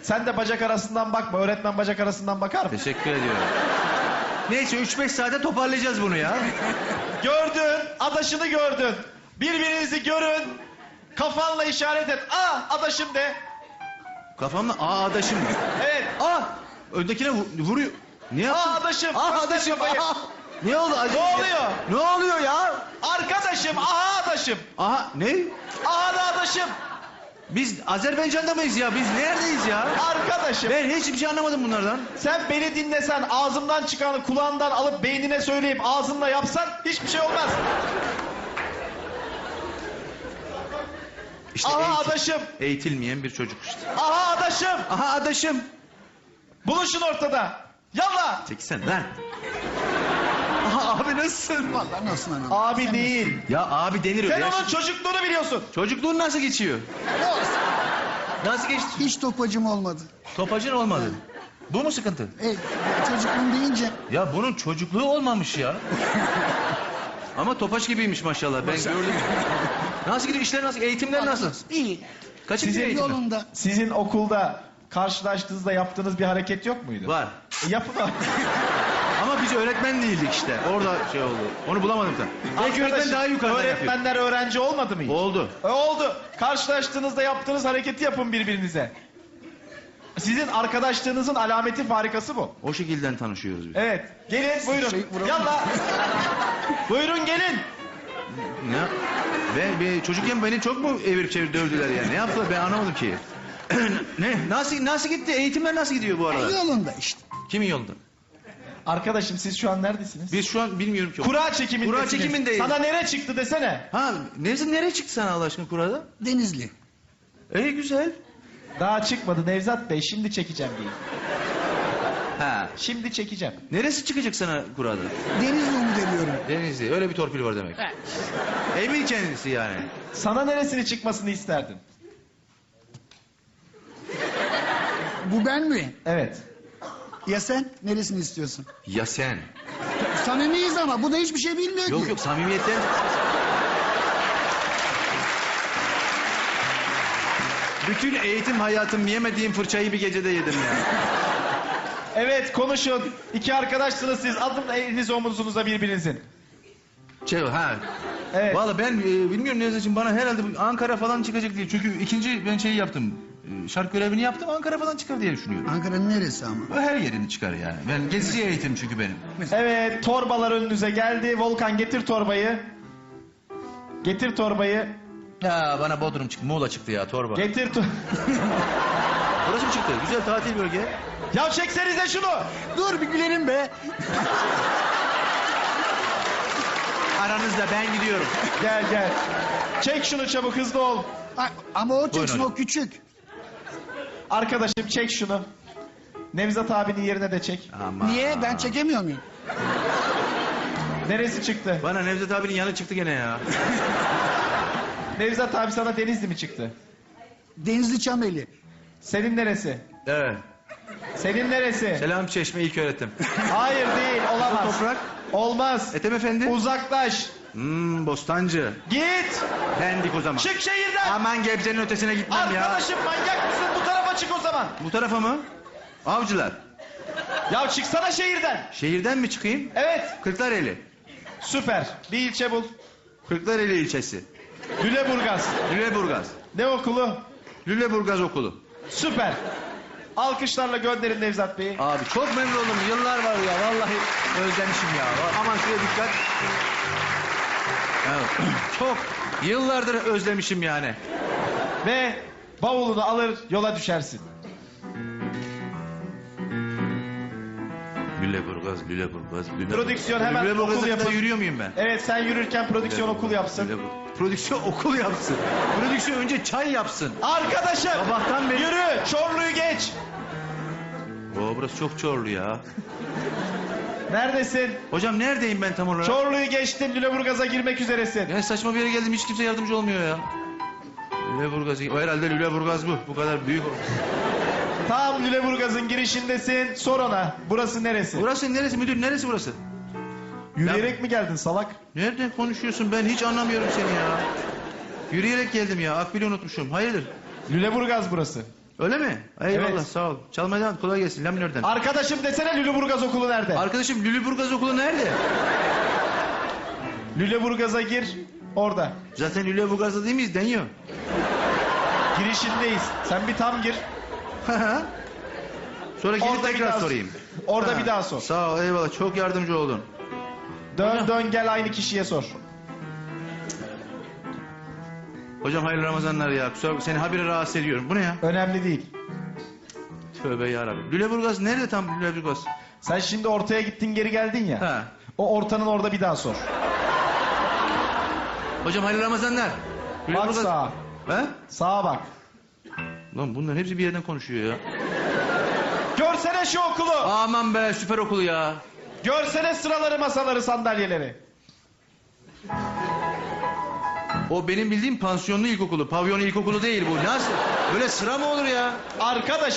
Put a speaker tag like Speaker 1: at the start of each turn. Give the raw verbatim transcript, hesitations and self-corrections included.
Speaker 1: Sen de bacak arasından bakma. Öğretmen bacak arasından bakar mı?
Speaker 2: Teşekkür ediyorum. Neyse üç beş saate toparlayacağız bunu ya.
Speaker 1: Gördün. Adaşını gördün. Birbirinizi görün. Kafanla işaret et. Aa adaşım de.
Speaker 2: Kafamla aa adaşım.
Speaker 1: Evet.
Speaker 2: Aa öndekine vu vuruyor. Ne yaptın?
Speaker 1: Aa adaşım.
Speaker 2: Aa
Speaker 1: Göster
Speaker 2: adaşım.
Speaker 1: kafayı.
Speaker 2: Aa. Ne oldu?
Speaker 1: Ne oluyor?
Speaker 2: Ne oluyor ya?
Speaker 1: Arkadaşım. Aha adaşım.
Speaker 2: Aha ne?
Speaker 1: Aha da adaşım.
Speaker 2: Biz Azerbaycan'da mıyız ya? Biz neredeyiz ya?
Speaker 1: Arkadaşım.
Speaker 2: Ben hiçbir şey anlamadım bunlardan.
Speaker 1: Sen beni dinlesen, ağzımdan çıkanı kulağından alıp beynine söyleyip ağzınla yapsan hiçbir şey olmaz.
Speaker 2: İşte
Speaker 1: Aha
Speaker 2: eğitim-
Speaker 1: adaşım.
Speaker 2: Eğitilmeyen bir çocuk işte.
Speaker 1: Aha adaşım.
Speaker 2: Aha adaşım.
Speaker 1: Buluşun ortada. Yallah.
Speaker 2: Çeksen lan. Aha abi nasılsın?
Speaker 3: Vallahi nasıl anam?
Speaker 1: Abi değil.
Speaker 2: Ya abi denir öyle.
Speaker 1: Sen
Speaker 2: ya.
Speaker 1: onun çocukluğunu biliyorsun.
Speaker 2: Çocukluğun nasıl geçiyor?
Speaker 3: Ne olsun?
Speaker 2: Nasıl geçti?
Speaker 3: Hiç topacım olmadı.
Speaker 2: Topacın olmadı. Bu mu sıkıntı?
Speaker 3: E, çocukluğum deyince
Speaker 2: Ya bunun çocukluğu olmamış ya. Ama topaç gibiymiş maşallah. Ben gördüm. Nasıl gidiyor işler nasıl? Eğitimler nasıl?
Speaker 3: iyi.
Speaker 2: Kaç
Speaker 1: Sizin
Speaker 2: gidiyor eğitimler?
Speaker 3: Yolunda.
Speaker 1: Sizin okulda karşılaştığınızda yaptığınız bir hareket yok muydu?
Speaker 2: Var.
Speaker 1: E, yapın abi.
Speaker 2: Ama biz öğretmen değildik işte. Orada şey oldu. Onu bulamadım da. Belki öğretmen
Speaker 1: Arkadaşım,
Speaker 2: daha yukarıdan yapıyor.
Speaker 1: öğretmenler öğrenci olmadı mı hiç?
Speaker 2: Oldu.
Speaker 1: E, oldu. Karşılaştığınızda yaptığınız hareketi yapın birbirinize. Sizin arkadaşlığınızın alameti farikası bu.
Speaker 2: O şekilden tanışıyoruz biz.
Speaker 1: Evet. Gelin buyurun.
Speaker 3: Şey, vuralım.
Speaker 1: Yallah. Buyurun gelin.
Speaker 2: Ne? Ben, ben çocukken beni çok mu evirip çevir dövdüler ya? Ne yaptılar ben anlamadım ki. Ne? Nasıl nasıl gitti? Eğitimler nasıl gidiyor bu arada?
Speaker 3: Yolunda işte.
Speaker 2: Kimin yolunda?
Speaker 1: Arkadaşım siz şu an neredesiniz?
Speaker 2: Biz şu an bilmiyorum ki.
Speaker 1: Kura çekimindesiniz.
Speaker 2: Kura çekimindeyiz.
Speaker 1: Sana nere çıktı desene.
Speaker 2: Ha, neresi nereye çıktı sana Allah aşkına kurada?
Speaker 3: Denizli.
Speaker 2: İyi güzel.
Speaker 1: Daha çıkmadı Nevzat Bey. Şimdi çekeceğim diye.
Speaker 2: Ha.
Speaker 1: Şimdi çekeceğim.
Speaker 2: Neresi çıkacak sana kurada?
Speaker 3: Denizli umut ediyorum.
Speaker 2: Denizli. Öyle bir torpil var demek. Emin kendisi yani.
Speaker 1: Sana neresini çıkmasını isterdin?
Speaker 3: Bu ben mi?
Speaker 1: Evet.
Speaker 3: Ya sen? Neresini istiyorsun?
Speaker 2: Ya sen.
Speaker 3: Samimiyiz ama bu da hiçbir şey bilmiyor
Speaker 2: Yok
Speaker 3: ki.
Speaker 2: yok samimiyetten. Bütün eğitim hayatım yemediğim fırçayı bir gecede yedim ya.
Speaker 1: Evet konuşun. İki arkadaşsınız siz. Adın eliniz omuzunuza birbirinizin.
Speaker 2: Şey ha.
Speaker 1: Evet.
Speaker 2: Vallahi ben e, bilmiyorum Nevzat'cığım bana herhalde bu Ankara falan çıkacak diye. Çünkü ikinci ben şeyi yaptım. E, şarkı görevini yaptım Ankara falan çıkar diye düşünüyorum.
Speaker 3: Ankara'nın neresi ama?
Speaker 2: O her yerini çıkar yani. Ben gezici eğitim çünkü benim.
Speaker 1: Evet torbalar önünüze geldi. Volkan getir torbayı. Getir torbayı.
Speaker 2: Ya bana Bodrum çıktı, Muğla çıktı ya torba.
Speaker 1: Getir to
Speaker 2: Burası mı çıktı? Güzel tatil bölge.
Speaker 1: Ya çeksenize şunu.
Speaker 3: Dur bir gülerim be.
Speaker 2: Aranızda ben gidiyorum.
Speaker 1: Gel gel. Çek şunu çabuk hızlı ol.
Speaker 3: A- Ama o çeksin
Speaker 2: hocam.
Speaker 3: o küçük.
Speaker 1: Arkadaşım çek şunu. Nevzat abinin yerine de çek.
Speaker 2: Aman.
Speaker 3: Niye? Ben çekemiyor muyum?
Speaker 1: Neresi çıktı?
Speaker 2: Bana Nevzat abinin yanı çıktı gene ya.
Speaker 1: Nevzat abi sana Denizli mi çıktı?
Speaker 3: Denizli Çameli.
Speaker 1: Senin neresi?
Speaker 2: Evet.
Speaker 1: Senin neresi?
Speaker 2: Selam Çeşme ilk öğretim.
Speaker 1: Hayır değil olamaz.
Speaker 2: Toprak.
Speaker 1: Olmaz.
Speaker 2: Ethem Efendi.
Speaker 1: Uzaklaş.
Speaker 2: Hmm, Bostancı.
Speaker 1: Git.
Speaker 2: Pendik o zaman.
Speaker 1: Çık şehirden.
Speaker 2: Aman Gebze'nin ötesine gitmem ya.
Speaker 1: Arkadaşım manyak mısın? Bu tarafa çık o zaman.
Speaker 2: Bu tarafa mı? Avcılar.
Speaker 1: Ya çıksana şehirden.
Speaker 2: Şehirden mi çıkayım?
Speaker 1: Evet.
Speaker 2: Kırklareli.
Speaker 1: Süper. Bir ilçe bul.
Speaker 2: Kırklareli ilçesi.
Speaker 1: Lüleburgaz.
Speaker 2: Lüleburgaz.
Speaker 1: Ne okulu?
Speaker 2: Lüleburgaz okulu.
Speaker 1: Süper. Alkışlarla gönderin Nevzat Bey'i.
Speaker 2: Abi çok memnun oldum. Yıllar var ya. Vallahi özlemişim ya. Aman şuraya dikkat. Evet. Çok yıllardır özlemişim yani.
Speaker 1: Ve bavulunu alır yola düşersin.
Speaker 2: Lüleburgaz, Lüleburgaz, Lüleburgaz.
Speaker 1: Prodüksiyon hemen
Speaker 2: Lüleburgaz'a
Speaker 1: okul
Speaker 2: kadar
Speaker 1: yapın.
Speaker 2: yürüyor muyum ben?
Speaker 1: Evet sen yürürken prodüksiyon okul yapsın.
Speaker 2: Lüleburgaz. Prodüksiyon okul yapsın. Prodüksiyon önce çay yapsın.
Speaker 1: Arkadaşım.
Speaker 2: Sabahtan beri-
Speaker 1: Yürü. Çorlu'yu geç.
Speaker 2: Oo, burası çok Çorlu ya.
Speaker 1: Neredesin?
Speaker 2: Hocam neredeyim ben tam olarak?
Speaker 1: Çorlu'yu geçtin. Lüleburgaz'a girmek üzeresin.
Speaker 2: Ya saçma bir yere geldim hiç kimse yardımcı olmuyor ya. Lüleburgaz. O herhalde Lüleburgaz bu. Bu kadar büyük.
Speaker 1: Tam Lüleburgaz'ın girişindesin. Sor ona. Burası neresi?
Speaker 2: Burası neresi müdür? Neresi burası?
Speaker 1: Yürüyerek mi geldin salak?
Speaker 2: Nereden konuşuyorsun? Ben hiç anlamıyorum seni ya. Yürüyerek geldim ya. Akbil'i unutmuşum. Hayırdır?
Speaker 1: Lüleburgaz burası.
Speaker 2: Öyle mi? Eyvallah
Speaker 1: Evet.
Speaker 2: sağ ol. Çalmaya devam et, kolay gelsin. La minörden.
Speaker 1: Arkadaşım desene Lüleburgaz okulu nerede?
Speaker 2: Arkadaşım Lüleburgaz okulu nerede?
Speaker 1: Lüleburgaz'a gir. Orada.
Speaker 2: Zaten Lüleburgaz'da değil miyiz? Deniyor.
Speaker 1: Girişindeyiz. Sen bir tam gir.
Speaker 2: Sonra gelip
Speaker 1: Orada bir
Speaker 2: tekrar
Speaker 1: daha-
Speaker 2: sorayım.
Speaker 1: Orada
Speaker 2: Ha,
Speaker 1: bir daha sor.
Speaker 2: Sağ ol eyvallah çok yardımcı oldun.
Speaker 1: Dön dön gel aynı kişiye sor.
Speaker 2: Hocam hayırlı Ramazanlar ya. Kusura bakma, seni habire rahatsız ediyorum. Bu ne ya?
Speaker 1: Önemli değil.
Speaker 2: Tövbe yarabbim. Lüleburgaz nerede tam Lüleburgaz?
Speaker 1: Sen şimdi ortaya gittin geri geldin ya.
Speaker 2: Ha.
Speaker 1: O ortanın orada bir daha sor.
Speaker 2: Hocam hayırlı Ramazanlar.
Speaker 1: Bak sağa.
Speaker 2: He?
Speaker 1: Sağa bak.
Speaker 2: Lan bunların hepsi bir yerden konuşuyor ya.
Speaker 1: Görsene şu okulu.
Speaker 2: Aman be süper okul ya.
Speaker 1: Görsene sıraları, masaları, sandalyeleri.
Speaker 2: O benim bildiğim pansiyonlu ilkokulu. Pavyonlu ilkokulu değil bu. Nasıl? Böyle sıra mı olur ya?
Speaker 1: Arkadaş